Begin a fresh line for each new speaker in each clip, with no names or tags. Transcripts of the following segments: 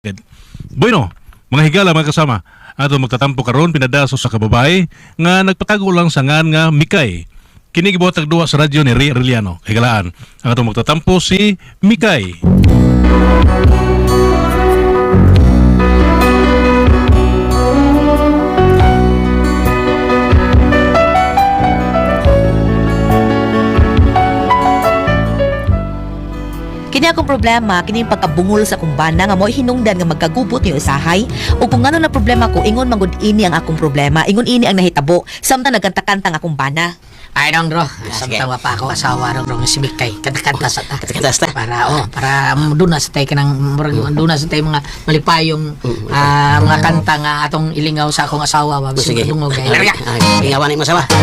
Bueno, mga higala mga kasama, ato magtatampo karon pinadaso sa kababay nga nagpatago lang sa ngan nga Mikay. Kini gibuhat og duwa sa radyo ni Ray Arellano. Higalaan, ang ato magtatampo si Mikay.
Kini akong problema, kini yung pagkabungol sa akong bana nga mo hinungdan nga magkagubot yung usahay. O kung ano na problema ko, ingon mangod ini ang akong problema, ingon ini ang nahitabo, samtang nagkanta-kanta ang akong bana.
Ay dong bro, samtang pa ako asawa dong si Mikay. Kanta-kanta sa ta.
Kanta-kanta ta.
Para duna sa tay kanang duna sa tay mga malipayong mga kanta nga atong ilingaw sa akong asawa wa
Sige.
dungog kay.
Ingawan mo sawa.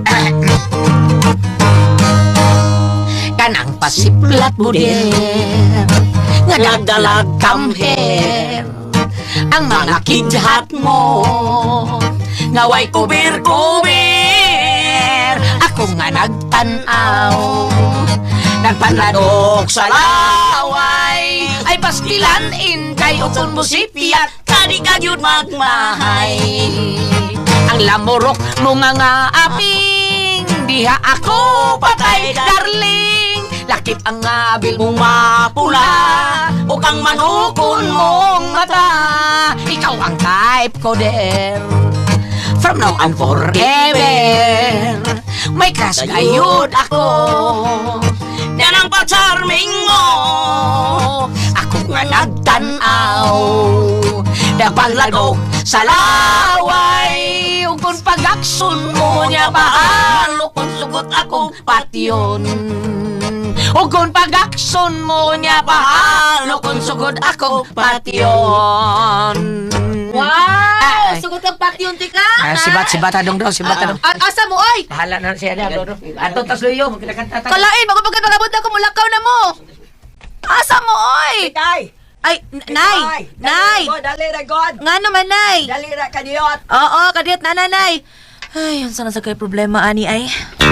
Kanang pasiplat mo din nga nagdalag kamher ang mga kidhat mo nga way kubir-kubir ako nga nagtanaw nagpanladok sa laway ay pastilan in kayo kung musipiyat kadi kagyud magmahay ang lamurok mo nga aping diha ako patay darling lakip ang abil mong mapula o kang manukon mong mata ikaw ang type ko der from now on forever may crush gayud ako yan ang pa-charming mo ako nga nagtanaw nagpaglagok sa laway ug kung pag-aksyon mo niya bahalo kung sugot akong patyon o kung pag-aksyon mo niya bahalo kung sugod akong patyon.
Wow! Sugot kang patyon ti ka?
Sibat adong daw, sibat adong.
Asa mo, oy?
Bahala na siya na, bro. Ato tas luyo, magkakanta ta.
Kalain, magpagpagpagabot ako, mulakaw na mo! Asa mo, oy?
Tay!
Ay, nay! Nay!
Dali ra God!
Nga naman, nay!
Dali ra kadiyot!
Oo, kadiyot na, nanay! Ay, ang sana sa kay problema, ani, ay.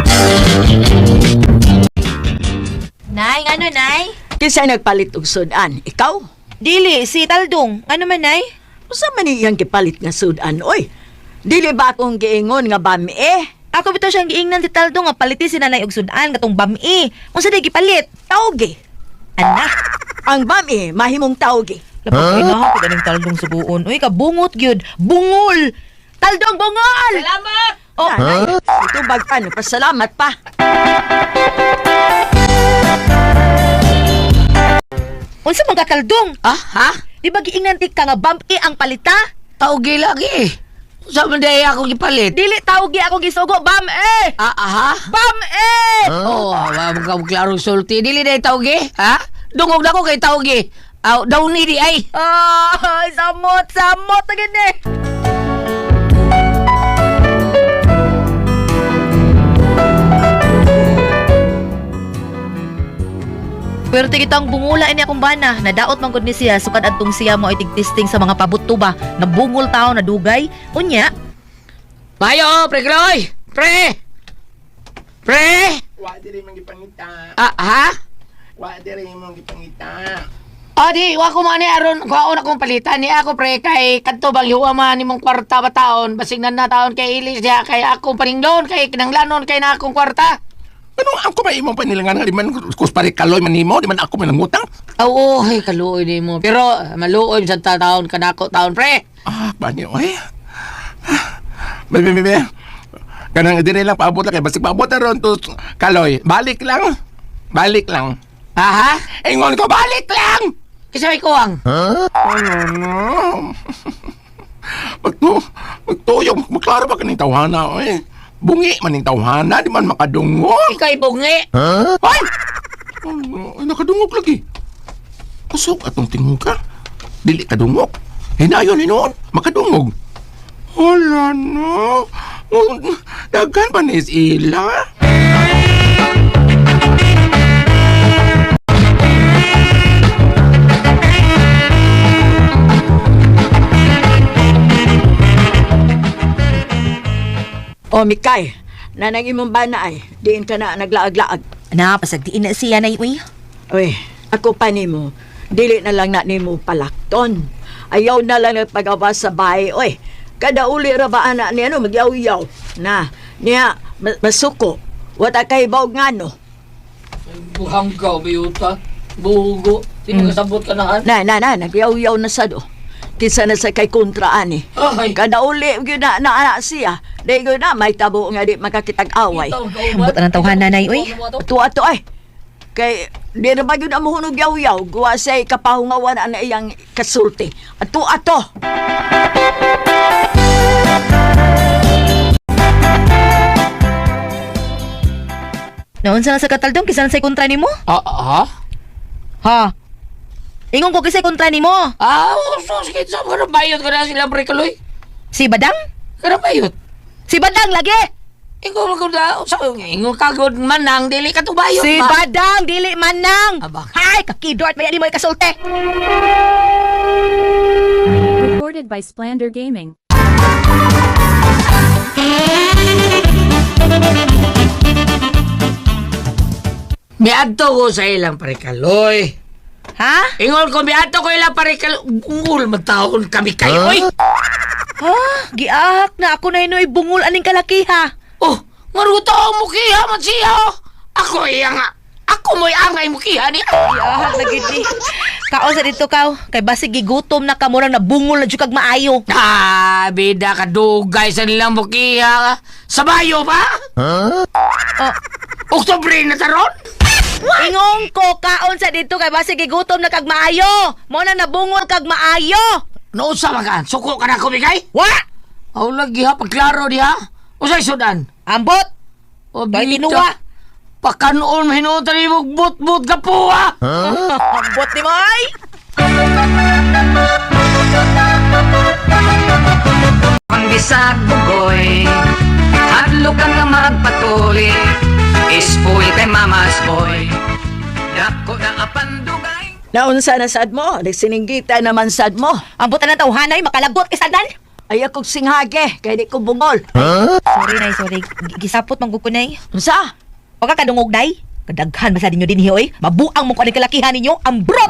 Nay, ano, nay?
Kinsa nagpalit og sudan? Ikaw?
Dili, si Taldong. Ano man, nay?
Usa man iyang gipalit nga sudan, oy? Dili ba akong giingon nga bami
Ako bitaw siyang giingnan si Taldong nga paliti si nanay og sudan katong bami. Unsa day gipalit?
Tawgi.
Anak,
Ang bami mahimong tawgi.
lapag huh? Inaha ko ganing Taldong sa buon. Uy, kabungot gyud. Bungol! Taldong bungol!
Salamat!
Oh,
Ito bagpan, pasalamat pa.
unsa man ka Taldong?
Ha?
Di ba giingnan ti ka nga bami ang palita?
Taugi lagi. Sa manday ako gipalit.
Dili tawgi ako gisugo, bami!
Ha?
Bami!
Oh, wa mo ka klaro sulti. Dili day taugi, ha? Dungog na ko kay taugi. Daw ni di ay.
Ay, samot na gini. Pero kitang bungula ini akong bana. Nadaot man gud ni siya sukad adtong siya mo itigtisting sa mga pabuto ba. Nabungol tao na dugay. Unya.
Mayo, pre Gloy! Pre!
Wa diri man gipangita.
Ha?
Wa diri man gipangita.
Di, wa ko man ni aron kuhaon akong palitan ni ako pre kay kadto bang yuwa man nimong kwarta ba taon basig na taon kay ilis diha kay ako paningdon kay kinanglanon kay na akong kwarta.
Ano ako ba imong panilangan nga di man kuspari kaloy man nimo, di man ako manangutang?
Oo, ay kaluoy ni mo. Pero maluoy sa taon kanako taon pre.
Bani oy. Bebe. Kanang diri lang paabot lang kay basig paabot na ron to kaloy. Balik lang.
Ha?
Ingon ko balik lang.
Kasi may kuwang.
Ano? Magtuyong, maklaro ba kaning tawhana, oy? Bungi man ning tawhana, di man makadungog.
Ikaw ibungi.
Ay! Ay, nakadungog lagi. Kusog atong tingog ka. Dili kadungog. Hinayon ni noon, makadungog. Wala no. Dagan pa ni ila.
O Mikay, nanang imong bana ay, diin ka na naglaag-laag.
Na, pasagdiin na siya na uy.
Uy, ako pa nimo, dili na lang na nimo palakton. Ayaw na lang nagpagawa sa bahay, oy. Kada uli ra ba anak niya, no, magyaw-yaw. Na, niya, masuko. Wata kay baog nga, no.
Buhang ka, biyuta. Bugo. Di mo kasabot ka na,
Nagyaw-yaw na sa do. Kisa na sa kay kontraan eh.
Ay.
Kada uli, yun na anak siya. Di yun na, may tabo nga di makakitag-away.
Ambot ang tawhan nanay, uy.
Ato ay. Kay, di na ba yun ang muhunog yaw-yaw? Guwa sa'y kapahungawan na iyang kasulti. Ato.
Naon sa kataldong, kisan sa kontra nimo?
Ha?
Ha? Ingon ko kisay kontra nimo.
Sige, sa mga bayot ka na sila, Prekaloy.
Si Badang?
Kaya bayot.
Si Badang lagi!
Ikaw ko na, sa ingo kagod man nang dili ka to bayot
Si
ba?
Badang, dili man nang!
Abang.
Hay, kakidort, may mo ikasulti!
Recorded by Splander Gaming.
Miadto ko sa ilang Prekaloy.
Ha?
Ingol ko, miadto ko ilang Prekaloy. Bungol, magtaon kami kayo, oy.
Ha? Giahak na ako na inoy bungol aning kalakiha.
Oh, maruto mo kiha man siya, oh. Ako nga. Ako mo'y angay mo kiha niya.
Giahak na gid ni. Kaon sa dito kaw, kay basig gigutom na kamurang na bungol na jud kag maayo.
Bida ka dugay sa nilang mo kiha. Sa bayo ba? Oktubre na taron?
Ingong ko kaon sa dito kay basig gigutom na kag maayo. Mo na nabungol kag maayo.
Nausa magan, suko ka na kumigay?
Wa!
Aw lagi ha, pagklaro diha. Usay sudan.
Ambot!
O
Kay
bita.
tinuwa.
Pakanoon mahinutan mo but-but ka po ha.
Ambot ni mo ay!
Ang bisag bugoy, hadlo ka nga magpatuli, ispoy kay mamas boy, dako na apandugay.
Naunsa na sad mo? Nagsiningita naman sad mo.
Ambot na ng tawhanay, makalagot kisadan.
Ay akong singhage, kaya di ko bungol.
Sorry, nay, sorry. Gisapot mang gukunay.
Unsa?
O ka kadungog, nay. Kadaghan ba sa ninyo din, oy? Mabuang mo ko ang kalakihan ninyo, ambrot!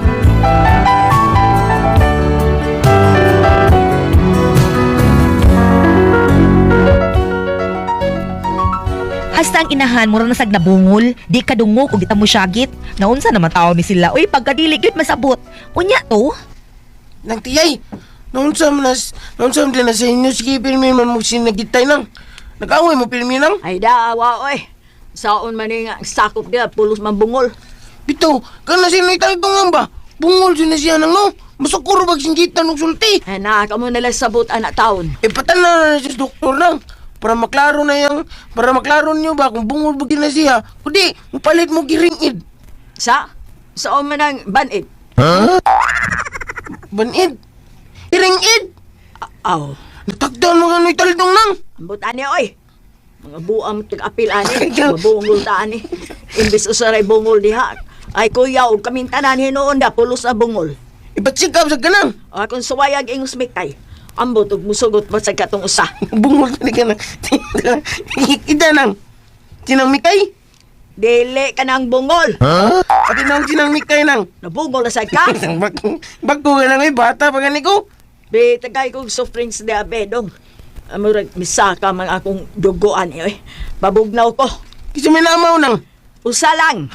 Hasta ang inahan, mura na sag nabungol. Di kadungog o kita mo syagit. Naunsa naman tao ni sila. Uy, pagkadili, gyud masabot. Unya to?
Nang tiyay, naunsa din na sa inyo, sige, pirmin man mo sinagitay nang. Nag-away mo, pirmin nang.
Ay dawa, oy. Saon man nga sakop dia, pulos man bungol.
Bito, kana sino itagtungan ba? Bungol siya na siya nang no. Masukuro bag singgitan ng sulti.
Ay na, kamo nila sabot anak taon.
Patan na siya doktor nang. Para maklaro nyo ba kung bungol bag na siya. Kundi, mapalit mo giringid.
Saon man ang banid.
Banid? Giringid?
Aw,
Natagdan mo nga no italdong nang.
ambot ani, oy. Mga buang tig-apil ani, mabungol ta ani. Imbis usaray bungol diha. Ay kuya, og kaming tanan hinuon da, pulos na bungol.
Ibatsikap sa ganang.
O akong suwayag ingos mitay. Ambot og musugot pa sa katong usa.
Bungol ka na. Ida nang. Sinang mikay?
Dili ka ng bungol.
Pati nang sinang mikay nang.
Nabungol na sa ka.
Bago ka lang ay bata pa gani ko.
Be, tagay kong soft drinks na bedong. Amurag, misaka man akong duguan eh. Babugnaw ko.
Kasi may namaw nang.
Usa lang.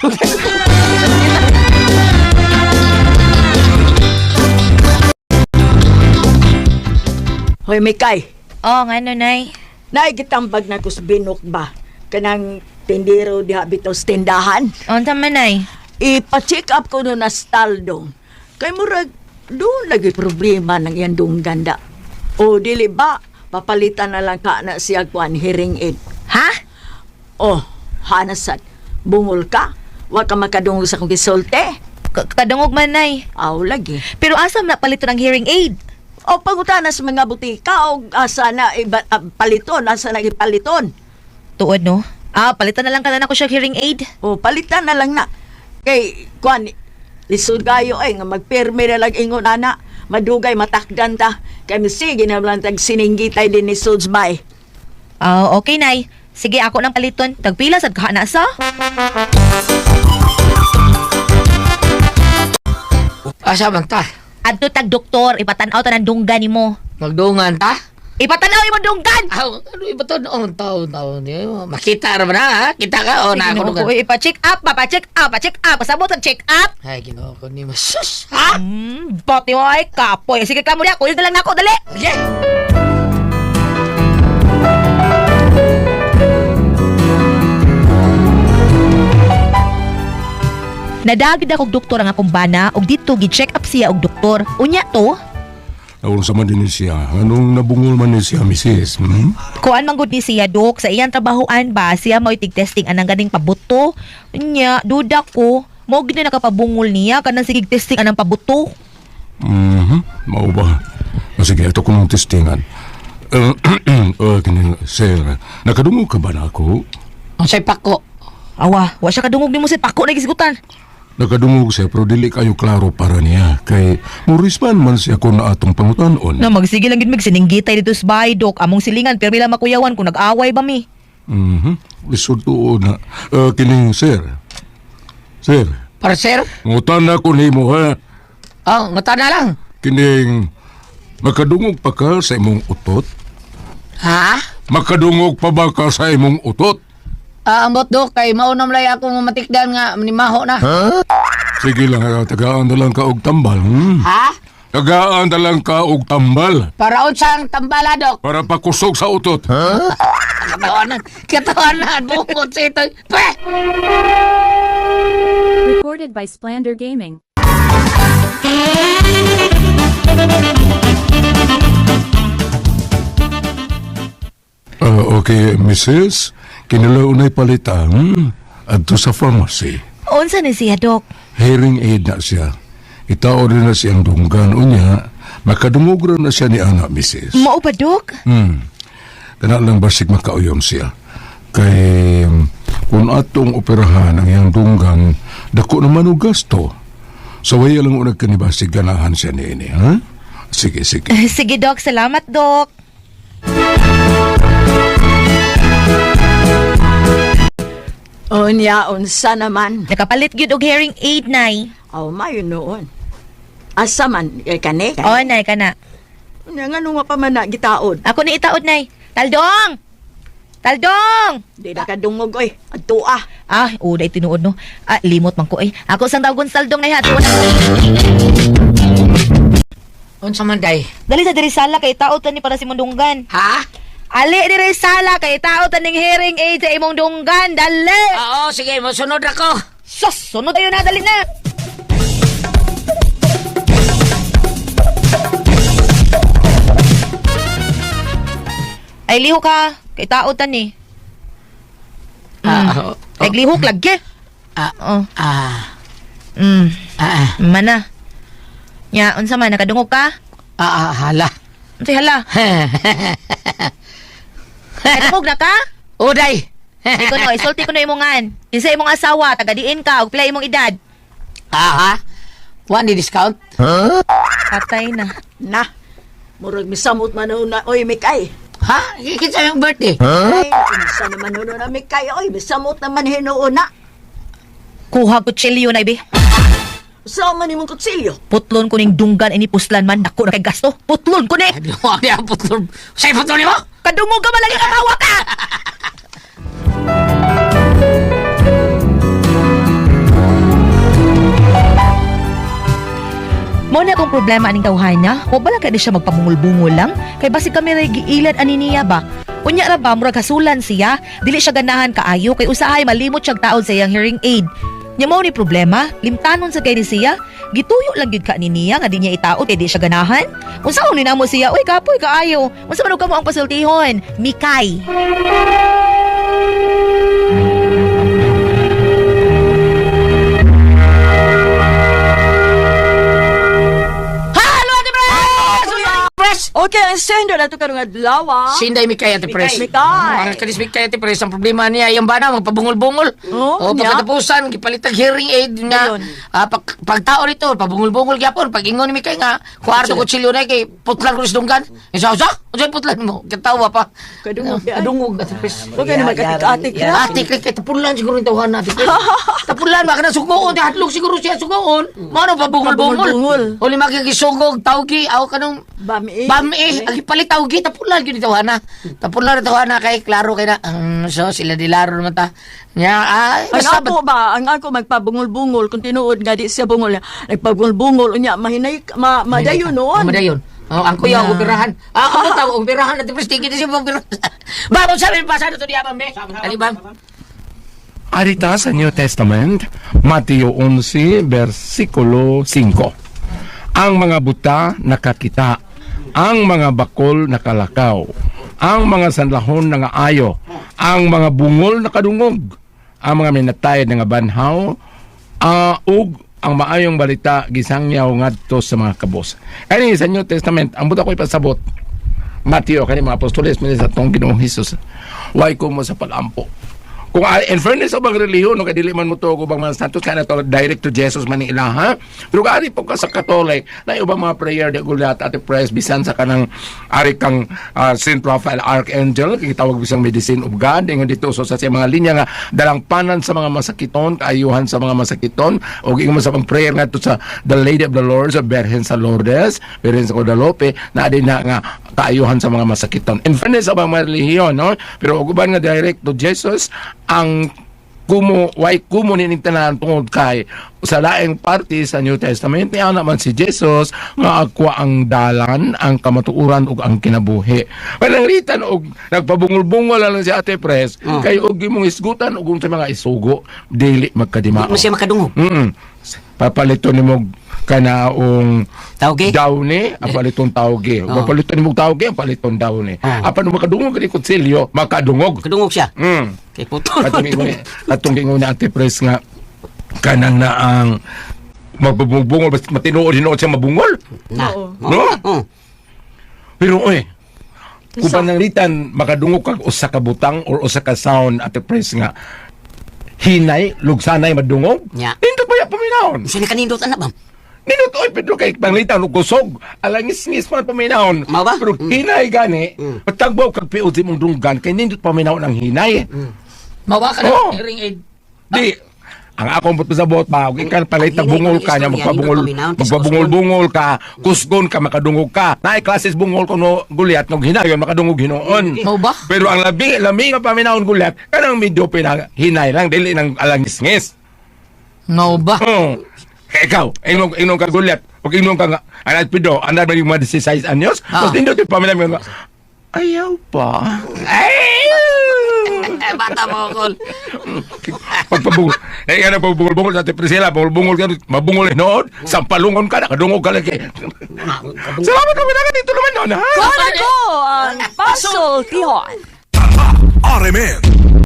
Hoy, Mikay.
Oh, nga no, nay.
Naigitambag na ko sa binok ba? Kanang tindero diha bitaw sa tindahan.
Unta man, nay.
Ipa-check up ko no na staldong. Kay murag, doon lagi problema ng yan doong ganda. O dili ba, papalitan na lang ka na siya kuan hearing aid.
Ha?
Oh, hanasat, bungol ka? Wa ka makadungog sa kong gisolte?
Kadungog man, nay.
Aw, lagi.
Pero asam na palito ng hearing aid?
O pangutana sa mga butika o asa na paliton, asa na ipaliton.
Tuod, no? Palitan na lang ka na ako siya hearing aid.
O palitan na lang na. Kay, kuan, lisod kayo ay nga magpirme na lang ingon ana. Madugay matakdan ta. Kay sige na lang tag sininggitay din ni Sudsbay.
Okay, nay. Sige, ako ng paliton. Tagpila sad ka na sa?
Asa bang ta?
Adto tag doktor, ipatanaw ta ng dunggan nimo.
Magdungan ta?
Ipatanaw imo dunggan.
Ano iba to noon taon niyo? Makita naman ha? Kita ka o na ako
Ginoo ko, ipa-check up, pa-check up, pa-check up. Pasabot ang check up.
Ay, ginoo ko ni Sus! Ha?
Boti mo ay kapoy. Sige ka mo niya, kunin na lang ako, dali.
Sige!
Nadagid akong doktor ang akong bana og dito gi-check up siya og doktor. Unya to,
Nawang sa man din siya. Anong nabungol man ni siya, misis? Hmm?
kuan man gud ni siya dok sa iyang trabahoan ba siya mao tig-testing anang ganing pabuto. Unya, duda ko, mo gid na nakapabungol niya kanang sige testing anang pabuto.
Mao ba? O sige, ito ko ng testingan. Sir, nakadungog ka ba na ako?
Ang say pako.
Awa, wa siya kadungog nimo si pako na gisgutan.
Nakadungog siya, pero dili kayo klaro para niya. Kay Murisman man siya kung na atong pangutanon.
Na magsige lang gid mig sininggitay dito sa bahay dok among silingan pero bila makuyawan kung nag-away ba mi.
Lisod tuo na. Kining, sir. Sir,
Para sir?
ngutan na ko nimo ha.
Oh, ngata na lang.
Kining, makadungog pa ka sa imong utot?
Ha?
Makadungog pa ba ka sa imong utot?
Ambot dok, kay maunam lay ako matikdan nga manimaho na.
Sige lang, tagaan na lang ka og tambal.
Ha?
Tagaan na lang ka og tambal.
Para unsang tambala dok.
Para pakusog sa utot.
Katawanan, bukod sa ito. Pweh!
Recorded by Splander Gaming.
Okay, Mrs. Kinalaunay palitan adto sa pharmacy.
Unsa ni siya dok?
Hearing aid na siya. Itao rin na siyang dunggan unya. Makadungog rin na siya ni anak, Mrs.
Mao ba dok?
Kana lang basig makauyom siya. Kay kung atong operahan ang iyang dunggan, dako naman o gasto. So waya lang unag kanibasig ganahan siya ni ini, ha? Sige, sige.
Sige dok, salamat dok.
Unya, unsa naman.
Nakapalit gyud og hearing aid nay.
Aw, mayo noon. Asa man, kani?
O nay kana.
Unya, nga nung mapamana, gitaod.
Ako ni itaod nay. Taldong! Taldong!
Di na kadungog, oy. Adto ah.
Ah, uday tinuod no. Ah, limot man ko eh. Ako sang tawgon sa taldong nay ha. Tuon.
Unsa man day?
Dali sa diri sala kay taod ta ni para si mundunggan.
Ha?
Ali diri sala kay taod ta ning hearing aid sa imong dunggan. Dali.
Oo, sige, masunod ako.
Sus, sunod tayo na, dali na. Ay, liho ka. Kay tao ta ni. Ay, lihok lagi. Oh. Mana. Nya, unsa man, nakadungog ka?
Hala.
Unsay hala? Nakadungog na ka?
Uday.
Ikaw no, isulti ko na imongan. Kinsa imong asawa, tagadiin ka, og pila imong edad.
Ha? One ni discount?
Patay na.
Na. Murag misamot man na, oy, Mikay.
Ha? Kinsa yung birthday?
Ay, unsa naman na Mikay, oy. Misamot naman hinuuna.
Kuha ko chilyo na, ibi.
Sa man imong kutsilyo.
Putlon ko ning dunggan ini puslan man dako na kay gasto. Putlon ko ni.
Ano ang niya putol? Sa'yo putol mo?
Kadungog ka malagi katawa ka. Mo na akong problema aning tawhan niya. O bala ka di siya magpamungol-bungol lang? Kay basig kami ray giilad ani niya ba? Unya ra ba murag hasulan siya? Dili siya ganahan kaayo kay usahay malimot siyang taon sa iyang hearing aid. Nya mao ni problema, limtanon sa kay ni siya. Gituyo lang gyud ka ni niya nga di niya itaod kay di siya ganahan. Unsaon ni namo siya? Uy, kapoy kaayo. Unsa man og kamo ang pasultihon? Mikay.
Halo, Ate Pres! Pres!
Okay, ang sender na ito karong adlaw.
Sinday Mikay Ate Pres.
Mikay.
Ang kanis Mikay Ate Pres, ang problema niya, yung bana, magpabungol-bungol.
Oh,
O,
niya?
pagkatapusan, gipalitag hearing aid na,
Ayun.
pagtao nito, pabungol-bungol gyapon, pag ingon ni Mikay nga, kwarto ko chilyo na kay putlan ko dunggan. Isa, unsay putlan mo? Katawa pa.
Kadungog, ay.
Kadungog Ate Pres.
Huwag ka naman katik-atik na.
Ate, kay tapulan siguro yung tawahan natin. Tapulan, baka na sugoon, hatlog siguro siya sugoon. Mano pabungol-bungol.
Pabungol-bungol.
O lima kang gisugog, tawgi, aw kanong
Bami.
Bami, agi palit tawgi, tapulan yun itawana. Tapulan itawana kay klaro kay na, so sila dilaro naman ta. Nya,
Ang ako ba, ang ako magpabungol-bungol, kung tinuod nga di siya bungol, nagpabungol-bungol, unya, mahinay, madayon noon.
Madayon. Oh, ang kuya, operahan. Ako tawag, operahan natin, prestige na siya operahan. Babang sabi, pasado to diya, Bambe. Ali, Bam.
Arita sa New Testament, Mateo 11, versikulo 5. Ang mga buta nakakita, ang mga bakol nakalakaw, ang mga sanlahon nangaayo, ang mga bungol nakadungog, ang mga minatay nga banhaw, ug ang maayong balita gisangyaw ngadto sa mga kabos. Ani sa New Testament, ang buta ko ipasabot, Mateo kani mga apostoles minsan sa tong Ginoong Hesus. Why ko mo sa palampo? Kung in fairness sa bang reliyon, no, kadili man mo to kung bang mga status ka na to, direct to Jesus man ila, ha? Pero kani po ka sa Katolik, na ibang mga prayer de gulat at prayers, bisan sa kanang ari kang Saint Raphael Archangel, kitawag bisang medicine of God, ingon dito, so sa siya mga linya nga, dalang panan sa mga masakiton, kaayuhan sa mga masakiton, o ingon sa pang prayer nga to sa The Lady of the Lords, sa Berhen sa Lourdes, Berhen sa Guadalupe, na adin na nga, kaayuhan sa mga masakiton. In fairness sa mga reliyon, no? Pero uguban nga direct to Jesus, ang kumo ninitanan tungod kay sa laing parte sa New Testament niya naman si Jesus nga agwa ang dalan, ang kamatuuran ug ang kinabuhi. Pananglitan og nagpabungol-bungol lang si Ate Pres kay og imong isgutan ug sa mga isugo dili magkadimao.
Mo siya makadungog.
Papalito nimo kanaong
Tawgi?
dawni, ang paliton tawgi.
Oh.
Papaliton nimo tawgi, ang paliton dawni.
Oh.
Apan makadungog kani konsilyo, makadungog.
Kadungog siya. Kay puto.
Atong gingon ni Ate Pres nga kanang na ang magbubungol matinuod siya mabungol.
Na.
No? Pero kung pananglitan makadungog kag usa ka butang or usa ka sound Ate Pres nga hinay, lugsanay madungog.
Nya.
Nindot ba ya paminahon?
Siya nakanindot anak, Bam.
Nindot Pedro kay panglitan og kusog. Alangis-ngis man paminahon.
Mao ba?
Pero hinay gani, patagbaw kag piud si mong dunggan kay nindot paminahon ang hinay.
Mawa ka
Oh.
na hearing aid.
Di, ang akong pasabot pa, kung ikan palit na bungol ka niya, magpabungol-bungol ka, kusgon ka, makadungog ka. Naay klases bungol ko no guliat, nung hinayon, makadungog hinoon.
Mau ba?
Pero ang labi nga paminahon guliat, kanang medyo hinay lang, dili ng alangis-ngis.
Mau ba?
Oh. Kaya ikaw, inom ka guliat, pag inom ka nga, anad pido, anad ba yung mga 16 anyos, tapos hindi ito paminahon nga, ayaw pa.
Bata mo, Kol.
Pagpabungol. Ano pabungol-bungol sa Priscilla, bungol ka, mabungol noon, sampalungon ka, nakadungog ka lagi. Salamat kami na dito naman noon, ha?
Kuha na ko ang puzzle tihon.
RMN